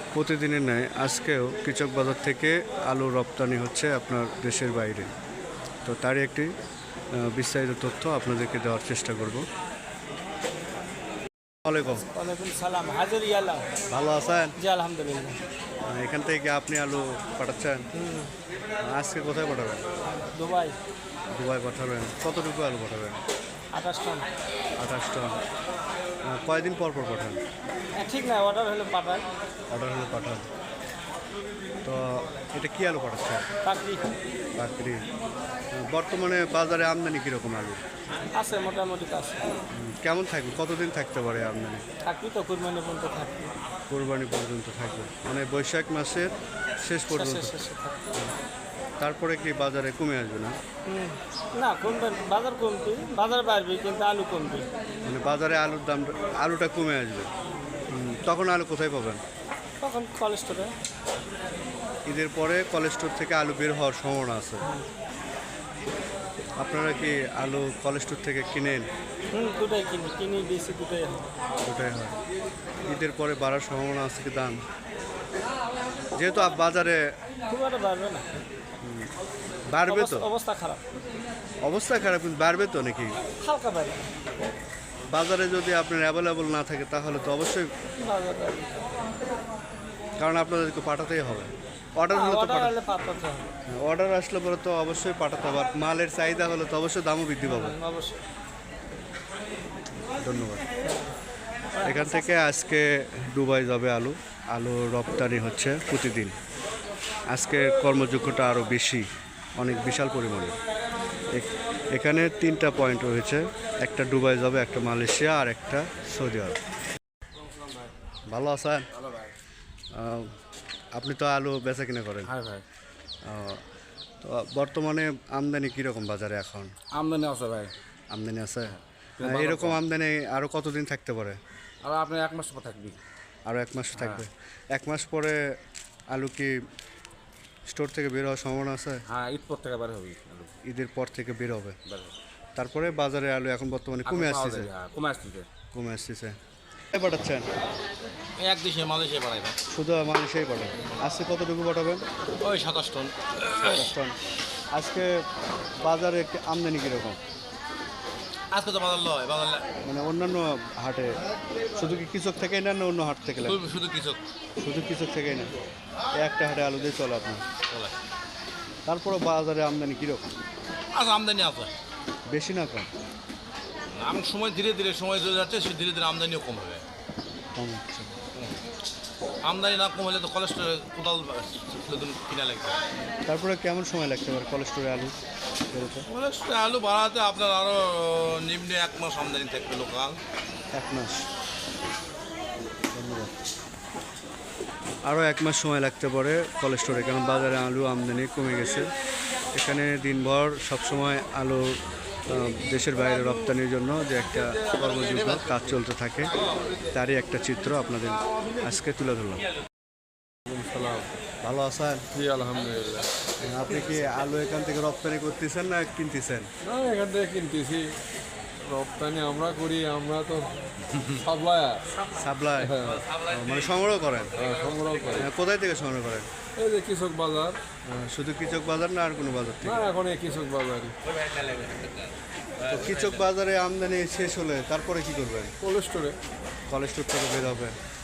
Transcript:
প্রতিদিনের ন্যায় আজকেও কৃষক বাজার থেকে আলু রপ্তানি হচ্ছে আপনার দেশের বাইরে। তো তারই একটি বিস্তারিত তথ্য আপনাদেরকে দেওয়ার চেষ্টা করব। ওয়ালাইকুম। ওয়ালাইকুম সালাম। হাজির ইয়ালা। ভালো আছেন? জি আলহামদুলিল্লাহ। এখান থেকে আপনি আলু পাঠাচ্ছেন? আজকে কোথায় পাঠাবেন? দুবাই। দুবাই পাঠাবেন। কতটুকু আলু পাঠাবেন? 28 টন। 28 টন। কয়দিন পর পর পাঠান? ঠিক না, অর্ডার হলে পাঠায়। অর্ডার হলে পাঠান। তো এটা কি আলু পাঠাচ্ছেন? চাকরি চাকরি। বর্তমানে বাজারে আমদানি কীরকম আলু? আছে, মোটামুটি আছে। কেমন থাকবে? কতদিন থাকতে পারে আমদানি? থাকবি তো, কুরবানি পর্যন্ত থাকবি। কোরবানি পর্যন্ত থাকবে, মানে বৈশাখ মাসের শেষ পর্যন্ত। শেষে থাকবি। তারপরে কি বাজারে কমে আসবে না? না, কমবে, বাজার কমবি, বাজার বাড়বি, কিন্তু আলু কমবি। মানে বাজারে আলুর দাম, আলুটা কমে আসবে। তখন আলু কোথায় পাবেন? তখন কলেজ স্টোরে। ঈদের পরে কলেজ স্টোর থেকে আলু বের হওয়ার সম্ভাবনা আছে। আপনারা কি আলু কলেজ স্টোর থেকে কিনেন? দুটাই কিনি বেশি, দুটাই হয়। ওটাই হয়। ঈদের পরে বাড়ার সম্ভাবনা আছে কি দাম? যেহেতু বাজারে খুব একটা বাড়বে না। বাড়বে তো? অবস্থা খারাপ। অবস্থা খারাপ, কিন্তু বাড়বে তো নাকি? হালকা বাড়বে। বাজারে যদি আপনার অ্যাভেলেবল না থাকে তাহলে তো অবশ্যই, বাজার বাড়বে। কারণ আপনাদেরকে পাঠাতেই হবে। অর্ডার হলে তো অর্ডার হলে পাঠাতে হবে। অর্ডার আসলে পরে তো অবশ্যই পাঠাতে হবে। আর মালের চাহিদা হলে তো অবশ্যই দামও বৃদ্ধি পাবে। অবশ্যই। ধন্যবাদ। এখান থেকে আজকে দুবাই যাবে আলু। আলু রপ্তানি হচ্ছে প্রতিদিন। আজকে কর্মযোগ্যটা আরও বেশি, অনেক বিশাল পরিমাণে। এখানে 3টা পয়েন্ট রয়েছে, একটা দুবাই যাবে, একটা মালয়েশিয়া, আর একটা সৌদি আরব। ভালো আছেন? আপনি তো আলু বেচা কিনা করেন? হ্যাঁ ভাই। তো বর্তমানে আমদানি কীরকম বাজারে এখন? আমদানি আছে ভাই। আমদানি আছে। এরকম আমদানি আরও কতদিন থাকতে পারে? আর আপনি 1 মাস পর থাকবি। আরও 1 মাস থাকবে। 1 মাস পরে আলু কি স্টোর থেকে বের হওয়ার সম্ভাবনা আছে? হ্যাঁ, ঈদ পর থেকে বার হবে আলু। ঈদের পর থেকে বের হবে। বার হবে। তারপরে বাজারে আলু এখন বর্তমানে কমে আসতেছে। হ্যাঁ, কমে আসতেছে। কমে আসতেছে। পাঠাচ্ছেন? এক দেশে মালয়েশিয়া বাড়াই ভাই। শুধু মানুষই পাঠান। আজকে কতটুকু পাঠাবেন? ওই 27 টন। 27 টন। আজকে বাজারে একটি আমদানি কীরকম? আজকে তো বাজার লয়, বাজার মানে অন্যান্য হাটে শুধু কি কৃষক থেকেই না, অন্য হাট থেকে লাগে? শুধু কিছু শুধু কৃষক থেকেই না, একটা হাটে আলু দিয়ে চলে আপনার। বলে। তারপরে বাজারে আমদানি কীরকম? আচ্ছা, আমদানি আছে। বেশি না কম? আমি সময় ধীরে ধীরে সময় চলে যাচ্ছে, সে ধীরে ধীরে আমদানিও কম হবে। কম হচ্ছে। আমদানি না কম হলে তো কলেস্ট্রল কোদাল কিনা লাগবে। তারপরে কেমন সময় লাগতে পারে কোলেস্টোরে আলু বেরোতে? কলেস্ট্রল আলু বাড়াতে আপনার আরও নিম্নে 1 মাস আমদানি থাকবে লোকাল। 1 মাস। ধন্যবাদ। আরও 1 মাস সময় লাগতে পারে কোলেস্টোরে, কারণ বাজারে আলু আমদানি কমে গেছে। এখানে দিনভর সবসময় আলু দেশের বাইরে রপ্তানির জন্য যে একটা কর্মযোগ্য কাজ চলতে থাকে, তারই একটা চিত্র আপনাদের আজকে তুলে ধরলাম। ভালো আছেন? জি আলহামদুলিল্লাহ। আপনি কি আলু এখান থেকে রপ্তানি করতেছেন না কিনতেছেন? না, এখান থেকে কিনতেছি। রপ্তানি আমরা করি, আমরা তো সাপ্লায়ার। সাপ্লাই, মানে সংগ্রহ করেন? সংগ্রহ করি। কোথায় থেকে সংগ্রহ করেন? এই যে কৃষক বাজার। শুধু কৃষক বাজার না আর কোনো বাজার থেকে? না, এখন এই কৃষক বাজারই। তো কৃষক বাজারে আমদানি শেষ হলে তারপরে কি করবেন? কোল্ড স্টোরে। কলেজ স্টোর থেকে বের হবে।